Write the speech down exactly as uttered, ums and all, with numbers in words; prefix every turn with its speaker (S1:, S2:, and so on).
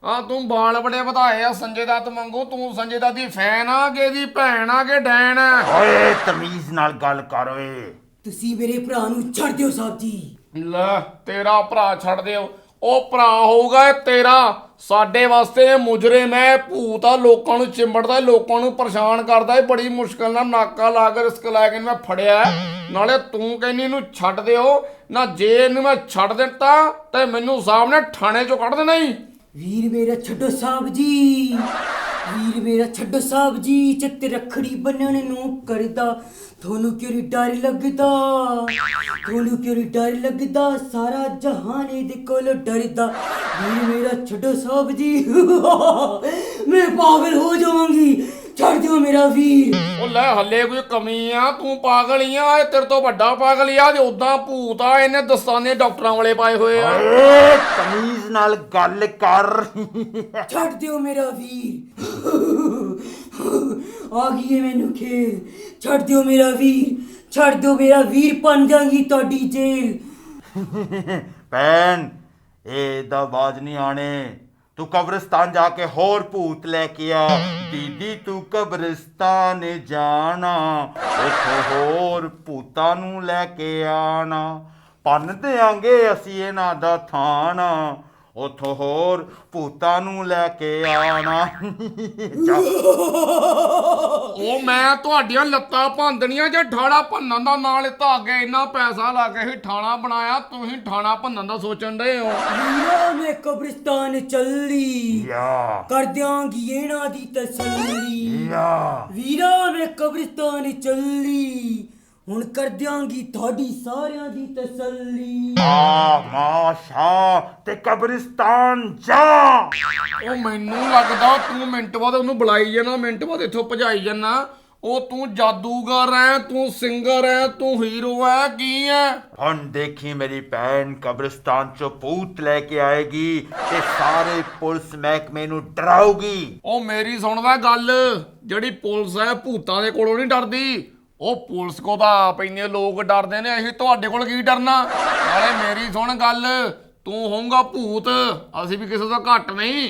S1: हाँ तू बाल बड़े ਵਧਾਏ ਆ ਸੰਜੇ ਦੱਤ ਵਾਂਗੂ। ਤੂੰ ਸੰਜੇ ਦੱਤ ਦੀ ਫੈਨ ਆ ਕਿ ਇਹਦੀ ਭੈਣ ਆ ਕਿ ਡੈਣ ਆ?
S2: ਓਏ ਤਮੀਜ਼ ਨਾਲ ਗੱਲ ਕਰ ਓਏ।
S3: ਤੁਸੀਂ ਮੇਰੇ ਭਰਾ ਨੂੰ ਛੱਡ ਦਿਓ ਸਾਹਿਬ ਜੀ।
S1: ਲੈ ਤੇਰਾ ਭਰਾ ਛੱਡ ਦਿਓ। ਉਹ ਭਰਾ ਹੋਊਗਾ ਇਹ ਤੇਰਾ। ਸਾਡੇ ਵਾਸਤੇ ਇਹ ਮੁਜਰਿਮ ਹੈ, ਭੂਤ ਆ, ਲੋਕਾਂ ਨੂੰ ਚਿੰਬੜਦਾ, ਲੋਕਾਂ ਨੂੰ ਪਰੇਸ਼ਾਨ ਕਰਦਾ। ਬੜੀ ਮੁਸ਼ਕਲ ਨਾਲ ਨਾਕਾ ਲਾ ਕੇ ਰਿਸਕ ਲੈ ਕੇ ਮੈਂ ਫੜਿਆ। ਨਾਲੇ ਤੂੰ ਕਹਿੰਦੀ ਇਹਨੂੰ ਛੱਡ ਦਿਓ ਨਾ। ਜੇ ਇਹਨੂੰ ਮੈਂ ਛੱਡ ਦਿੱਤਾ ਤੇ ਮੈਨੂੰ ਸਾਹਿਬ ਨੇ ਥਾਣੇ ਚੋਂ ਕੱਢ ਦੇਣਾ ਹੀ।
S3: ਵੀਰ ਮੇਰਾ ਛੱਡੋ ਸਾਹਿਬ ਜੀ, ਵੀਰ ਮੇਰਾ ਛੱਡੋ ਸਾਹਿਬ ਜੀ। ਚਿੱਤ ਰੱਖੜੀ ਬੰਨਣ ਨੂੰ ਕਰਦਾ, ਤੁਹਾਨੂੰ ਕਿਉਂ ਨੀ ਡਰ ਲੱਗਦਾ? ਤੁਹਾਨੂੰ ਕਿਉਂ ਨੀ ਡਰ ਲੱਗਦਾ? ਸਾਰਾ ਜਹਾਨ ਇਹਦੇ ਕੋਲ ਡਰਦਾ। ਵੀਰ ਮੇਰਾ ਛੱਡੋ ਸਾਹਿਬ ਜੀ। ਮੈਂ ਪਾਗਲ ਹੋ ਜਾਵਾਂਗੀ, ਛੱਡ ਦਿਓ ਮੇਰਾ ਵੀਰ।
S1: ਉਹ ਲੈ ਹੱਲੇ ਕੋਈ ਕਮੀ ਆ? ਤੂੰ ਪਾਗਲ ਹੀ ਆ। ਇਹ ਤੇਰੇ ਤੋਂ ਵੱਡਾ ਪਾਗਲ ਹੀ ਆ। ਜੇ ਉਦਾਂ ਭੂਤ ਆ, ਇਹਨੇ ਦਸਤਾਨੇ ਡਾਕਟਰਾਂ ਵਾਲੇ ਪਾਏ ਹੋਏ ਆ।
S2: ਓਏ ਤਮੀਜ਼ ਨਾਲ ਗੱਲ ਕਰ।
S3: ਛੱਡ ਦਿਓ ਮੇਰਾ ਵੀਰ। ਆ ਗਈ ਏ ਮੈਨੂੰ ਖੇਲ। ਛੱਡ ਦਿਓ ਮੇਰਾ ਵੀਰ, ਛੱਡ ਦਿਓ ਮੇਰਾ ਵੀਰ। ਬਣ ਜਾਗੀ ਤੁਹਾਡੀ ਜੇਲ।
S2: ਭੈਣ ਇਹਦਾ ਬਾਜ ਨਹੀਂ ਆਣੇ। ਤੂੰ ਕਬਰਿਸਤਾਨ ਜਾ ਕੇ ਹੋਰ ਭੂਤ ਲੈ ਕੇ ਆ। ਦੀਦੀ ਤੂੰ ਕਬਰਿਸਤਾਨ ਜਾਣਾ, ਉੱਥੋਂ ਹੋਰ ਭੂਤਾਂ ਨੂੰ ਲੈ ਕੇ ਆਣਾ। ਭੰਨ ਦਿਆਂਗੇ ਅਸੀਂ ਇਹਨਾਂ ਦਾ ਥਾਣਾ, ਉੱਥੋਂ ਹੋਰ ਭੂਤਾਂ ਨੂੰ ਲੈ ਕੇ ਆਣਾ।
S1: ਉਹ ਮੈਂ ਤੁਹਾਡੀਆਂ ਲੱਤਾਂ ਭੰਨਣੀਆਂ ਜੇ ਠਾਣਾ ਭੰਨਣ ਦਾ ਨਾਂ ਲਿੱਤਾ। ਅੱਗੇ ਇੰਨਾ ਪੈਸਾ ਲਾ ਕੇ ਹੀ ਠਾਣਾ ਬਣਾਇਆ, ਤੁਸੀਂ ਠਾਣਾ ਭੰਨਣ ਦਾ ਸੋਚਣ ਡਏ ਹੋ।
S3: ਵੀਰਾ ਮੈਂ ਕਬਰਿਸਤਾਨ ਚੱਲੀ,
S2: ਯਾ
S3: ਕਰ ਦਿਆਂਗੀ ਇਹਨਾਂ ਦੀ ਤਸੱਲੀ।
S2: ਯਾ
S3: ਵੀਰਾ ਮੈਂ ਕਬਰਿਸਤਾਨ ਚੱਲੀ, ਹੁਣ ਕਰ ਦਿਆਂਗੀ ਤੁਹਾਡੀ ਸਾਰਿਆਂ ਦੀ ਤਸੱਲੀ।
S2: ਆ ਮਾਸ਼ਾ ਤੇ ਕਬਰਿਸਤਾਨ ਜਾ।
S1: ਉਹ ਮੈਨੂੰ ਲੱਗਦਾ ਤੂੰ ਮਿੰਟ ਬਾਅਦ ਉਹਨੂੰ ਬੁਲਾਈ ਜਾਣਾ, ਮਿੰਟ ਬਾਅਦ ਇੱਥੋਂ ਭਜਾਈ ਜਾਣਾ। ਉਹ ਤੂੰ ਜਾਦੂਗਰ ਹੈ, ਤੂੰ ਸਿੰਗਰ ਹੈ, ਤੂੰ ਹੀਰੋ ਹੈ, ਕੀ ਹੈ?
S2: ਹੁਣ ਦੇਖੀ ਮੇਰੀ ਭੈਣ ਕਬਰਿਸਤਾਨ ਚੋਂ ਭੂਤ ਲੈ ਕੇ ਆਏਗੀ ਤੇ ਸਾਰੇ ਪੁਲਿਸ ਮਹਿਕਮੇ ਨੂੰ ਡਰਾਉਗੀ।
S1: ਉਹ ਮੇਰੀ ਸੁਣਦਾ ਗੱਲ, ਜਿਹੜੀ ਪੁਲਿਸ ਹੈ ਭੂਤਾਂ ਦੇ ਕੋਲੋਂ ਨਹੀਂ ਡਰਦੀ। ਉਹ ਪੁਲਿਸ ਕੋ ਤਾਂ ਆਪ ਇੰਨੇ ਲੋਕ ਡਰਦੇ ਨੇ, ਅਸੀਂ ਤੁਹਾਡੇ ਕੋਲ ਕੀ ਡਰਨਾ? ਨਾਲੇ ਮੇਰੀ ਸੁਣ ਗੱਲ, ਤੂੰ ਹੋਊਗਾ ਭੂਤ, ਅਸੀਂ ਵੀ ਕਿਸੇ ਤੋਂ ਘੱਟ ਨਹੀਂ।